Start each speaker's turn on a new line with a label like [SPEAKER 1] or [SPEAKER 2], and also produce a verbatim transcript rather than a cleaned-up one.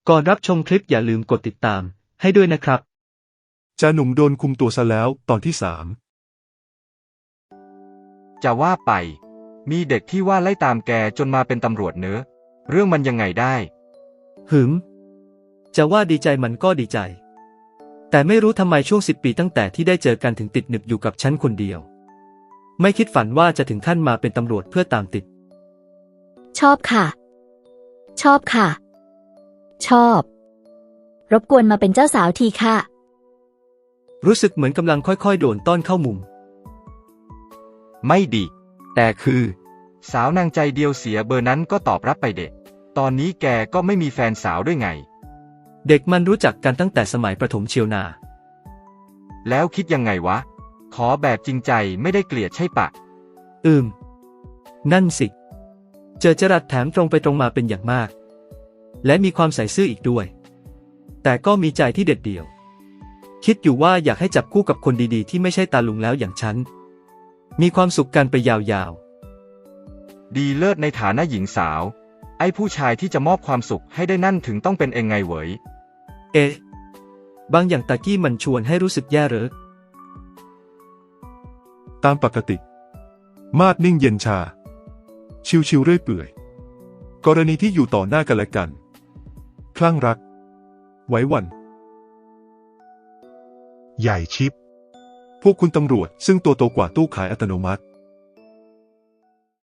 [SPEAKER 1] ก่อนรับชมคลิปอย่าลืมกดติดตามให้ด้วยนะครับ
[SPEAKER 2] จ่าหนุ่มโดนคุมตัวซะแล้วตอนที่สาม
[SPEAKER 3] จะว่าไปมีเด็กที่ว่าไล่ตามแกจนมาเป็นตำรวจเนอะเรื่องมันยังไงได้
[SPEAKER 1] หืมจะว่าดีใจมันก็ดีใจแต่ไม่รู้ทำไมช่วงสิบปีตั้งแต่ที่ได้เจอกันถึงติดหนึบอยู่กับฉันคนเดียวไม่คิดฝันว่าจะถึงขั้นมาเป็นตำรวจเพื่อตามติด
[SPEAKER 4] ชอบค่ะชอบค่ะชอบรบกวนมาเป็นเจ้าสาวทีค่ะ
[SPEAKER 1] รู้สึกเหมือนกำลังค่อยๆโดนต้อนเข้ามุม
[SPEAKER 3] ไม่ดีแต่คือสาวนางใจเดียวเสียเบอร์นั้นก็ตอบรับไปเด็กตอนนี้แกก็ไม่มีแฟนสาวด้วยไง
[SPEAKER 1] เด็กมันรู้จักกันตั้งแต่สมัยประถมเชียวนา
[SPEAKER 3] แล้วคิดยังไงวะขอแบบจริงใจไม่ได้เกลียดใช่ปะ
[SPEAKER 1] อืมนั่นสิเจอจรัสแถมตรงไปตรงมาเป็นอย่างมากและมีความใส่ซื่ออีกด้วยแต่ก็มีใจที่เด็ดเดี่ยวคิดอยู่ว่าอยากให้จับคู่กับคนดีๆที่ไม่ใช่ตาลุงแล้วอย่างฉันมีความสุขกันไปยาว
[SPEAKER 3] ๆดีเลิศในฐานะหญิงสาวไอ้ผู้ชายที่จะมอบความสุขให้ได้นั่นถึงต้องเป็นเองไงเหวย
[SPEAKER 1] เอ๊ะบางอย่างตะกี้มันชวนให้รู้สึกแย่เหรอ
[SPEAKER 2] ตามปกติมาดนิ่งเย็นชาชิวๆเรื่อยเปื่อยกรณีที่อยู่ต่อหน้ากันและกันคลั่งรักไว้วันใหญ่ชิปพวกคุณตำรวจซึ่งตัวโตกว่าตู้ขายอัตโนมัติ